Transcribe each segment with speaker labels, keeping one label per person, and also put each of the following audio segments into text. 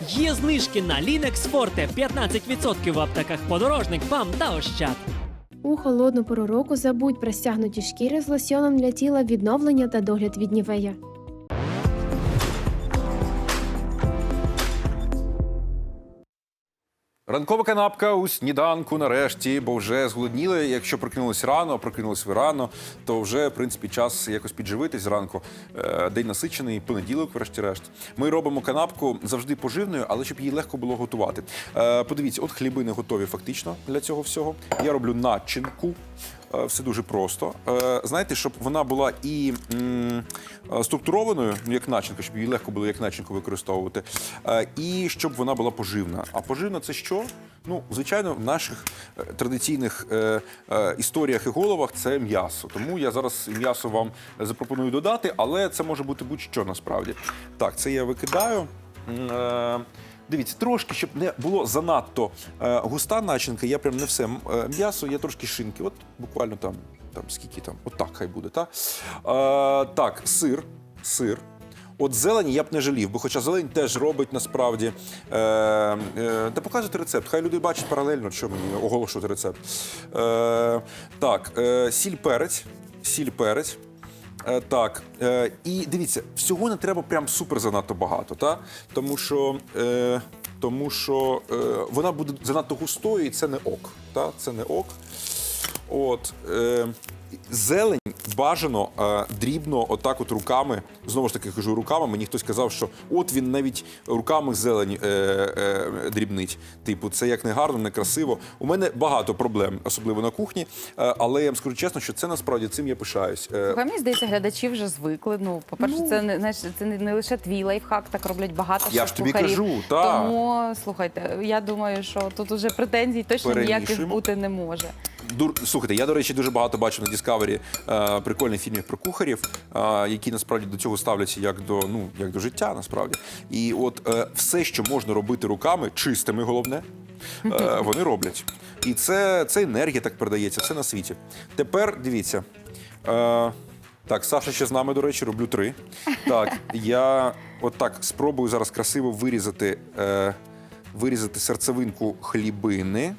Speaker 1: Є знижки на Linux Forte 15% в аптеках «Подорожник», «БАМ» та «Ощад».
Speaker 2: У холодну пору року забудь про стягнуті шкіри з лосьйоном для тіла, відновлення та догляд від Нівея.
Speaker 3: Ранкова канапка у сніданку нарешті, бо вже зголодніли. Якщо прокинулись рано, а прокинулись ви рано, то вже, в принципі, час якось підживитись зранку. День насичений, понеділок, врешті-решт. Ми робимо канапку завжди поживною, але щоб її легко було готувати. Подивіться, от хлібини готові фактично для цього всього. Я роблю начинку. Все дуже просто. Знаєте, щоб вона була і структурованою, як начинка, щоб її легко було як начинку використовувати, і щоб вона була поживна. А поживна – це що? Ну, звичайно, в наших традиційних історіях і головах це м'ясо. Тому я зараз м'ясо вам запропоную додати, але це може бути будь-що насправді. Так, це я викидаю. Дивіться, трошки, щоб не було занадто густа начинка, я прям не все м'ясо, я трошки шинки, от буквально там скільки там, от так хай буде, так? Так, сир. От зелені я б не жалів, бо хоча зелень теж робить насправді. Та показуйте рецепт, хай люди бачать паралельно, що мені оголошувати рецепт. Так, сіль, перець. Так, і дивіться, всього не треба прям супер занадто багато, та? Тому що вона буде занадто густою і це не ок. Та? Це не ок. От, зелень бажано дрібно, отак от руками, знову ж таки кажу руками, мені хтось казав, що от він навіть руками зелень дрібнить. Типу, це як не гарно, не красиво. У мене багато проблем, особливо на кухні, але я вам скажу чесно, що це насправді цим я пишаюсь.
Speaker 4: Мені здається, глядачі вже звикли. Ну, по-перше, це не лише твій лайфхак, так роблять багато
Speaker 3: Я ж тобі
Speaker 4: шеф-кухарів.
Speaker 3: кажу, так.
Speaker 4: Тому, слухайте, я думаю, що тут уже претензій точно ніяких бути не може.
Speaker 3: Слухайте, я, до речі, дуже багато бачив на Discovery прикольних фільмів про кухарів, які насправді до цього ставляться як до життя, насправді. І от все, що можна робити руками, чистими головне, вони роблять. І це енергія так передається, все на світі. Тепер, дивіться, так, Саша ще з нами, до речі, роблю 3. Так, я отак спробую зараз красиво вирізати серцевинку хлібини.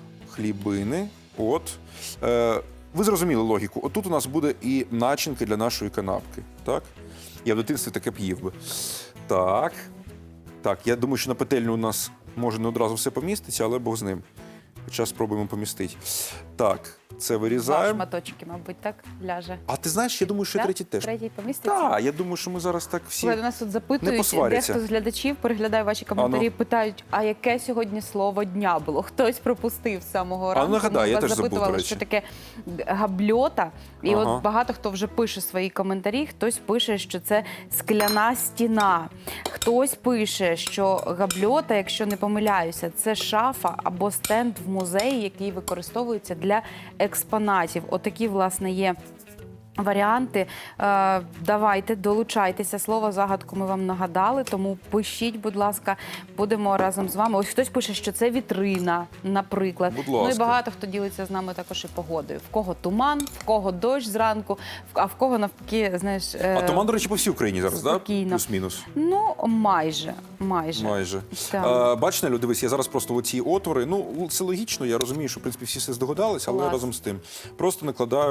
Speaker 3: От. Ви зрозуміли логіку. Отут у нас буде і начинка для нашої канапки. Так? Я в дитинстві таке б їв би. Так. Так, я думаю, що на петельню у нас може не одразу все поміститься, але Бог з ним. Хоча спробуємо помістити. Так, це
Speaker 4: Два
Speaker 3: вирізаємо.
Speaker 4: шматочки, мабуть, так ляже.
Speaker 3: А ти знаєш, я думаю, що третій теж.
Speaker 4: Третій поміститься?
Speaker 3: Так, я думаю, що ми зараз так всі
Speaker 4: Слухай, нас тут
Speaker 3: не
Speaker 4: запитують,
Speaker 3: посваряться.
Speaker 4: дехто з глядачів переглядає ваші коментарі, питають, а яке сьогодні слово дня було? Хтось пропустив з самого ранку.
Speaker 3: нагадай,
Speaker 4: Ми
Speaker 3: я
Speaker 4: вас
Speaker 3: теж забув,
Speaker 4: запитували,
Speaker 3: до речі.
Speaker 4: що таке габльота. І
Speaker 3: Ага.
Speaker 4: от багато хто вже пише свої коментарі, хтось пише, що це скляна стіна. Хтось пише, що габльота, якщо не помиляюся, це шафа або стенд в музеї, який використовується для експонатів. Отакі, власне, є варіанти. Давайте, долучайтеся. Слово загадку ми вам нагадали, тому пишіть, будь ласка, будемо разом з вами. Ось хтось пише, що це вітрина, наприклад.
Speaker 3: Будь ласка.
Speaker 4: Ну і багато хто ділиться з нами також і погодою. В кого туман, в кого дощ зранку, а в кого навпаки, знаєш...
Speaker 3: А туман, до речі, по всій Україні зараз, так?
Speaker 4: Спокійно.
Speaker 3: Плюс-мінус.
Speaker 4: Ну, майже. Так.
Speaker 3: Бачите, Лю, дивись, я зараз просто оці отвори, ну, це логічно, я розумію, що, в принципі, всі все здогадались, але
Speaker 4: Клас.
Speaker 3: разом з тим. Просто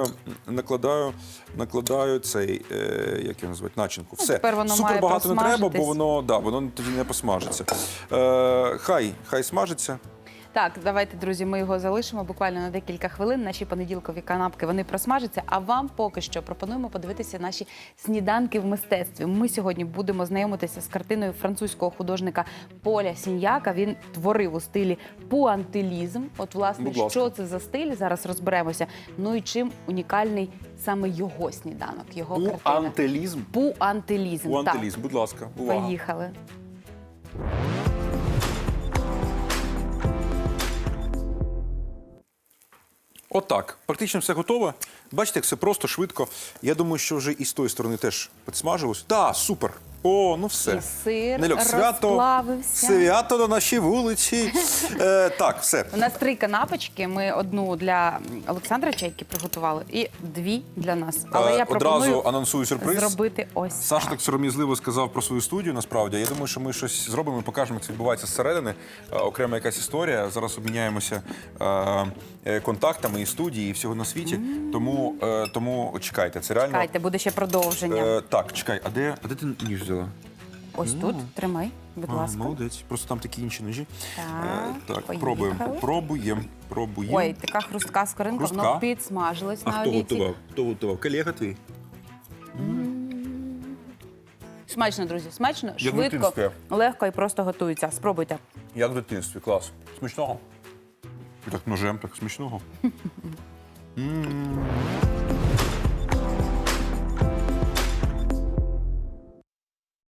Speaker 3: накладаю цей, як його називають, начинку. Все.
Speaker 4: Тепер воно
Speaker 3: Супер
Speaker 4: має
Speaker 3: багато не треба, бо
Speaker 4: просмажитись.
Speaker 3: воно тоді не посмажиться. Хай смажиться.
Speaker 4: Так, давайте, друзі, ми його залишимо буквально на декілька хвилин. Наші понеділкові канапки, вони просмажаться, а вам поки що пропонуємо подивитися наші сніданки в мистецтві. Ми сьогодні будемо знайомитися з картиною французького художника Поля Сіньяка. Він творив у стилі пуантилізм. От, власне,
Speaker 3: Будь ласка.
Speaker 4: що це за стиль, зараз розберемося. Ну і чим унікальний саме його сніданок, його картина.
Speaker 3: Пуантилізм.
Speaker 4: Пуантилізм, так.
Speaker 3: Пуантилізм, будь ласка, увага.
Speaker 4: Поїхали.
Speaker 3: Отак. Практично все готове. Бачите, як все просто, швидко. Я думаю, що вже і з тої сторони теж підсмажилось. Так, супер. О, ну все.
Speaker 4: І сир
Speaker 3: Нельок,
Speaker 4: розплавився.
Speaker 3: свято на нашій вулиці. Так, все.
Speaker 4: У нас 3 канапочки. Ми одну для Олександра Чайки приготували і 2 для нас. Але я пропоную
Speaker 3: Одразу анонсую сюрприз.
Speaker 4: зробити ось
Speaker 3: Саша
Speaker 4: так.
Speaker 3: так сором'язливо сказав про свою студію, насправді. Я думаю, що ми щось зробимо і покажемо, як це відбувається зсередини. Окрема якась історія. Зараз обміняємося контактами і студії, і всього на світі. Тому чекайте, це реально...
Speaker 4: Чекайте, буде ще продовження.
Speaker 3: Так, чекай, а де ти ніж взяла?
Speaker 4: Ось тут, тримай, будь ласка.
Speaker 3: Молодець, просто там такі інші ножі. Так,
Speaker 4: поїхали.
Speaker 3: пробуємо.
Speaker 4: Ой, така хрустка скоринка,
Speaker 3: Хрустка?
Speaker 4: воно підсмажилось
Speaker 3: А
Speaker 4: на
Speaker 3: хто
Speaker 4: олійці.
Speaker 3: готував? Хто готував? Колега твій?
Speaker 4: Смачно, друзі, смачно,
Speaker 3: Як в
Speaker 4: швидко,
Speaker 3: дитинстві.
Speaker 4: легко і просто готується. Спробуйте.
Speaker 3: Як в дитинстві, клас. Смачного. І так ножем, так смачного.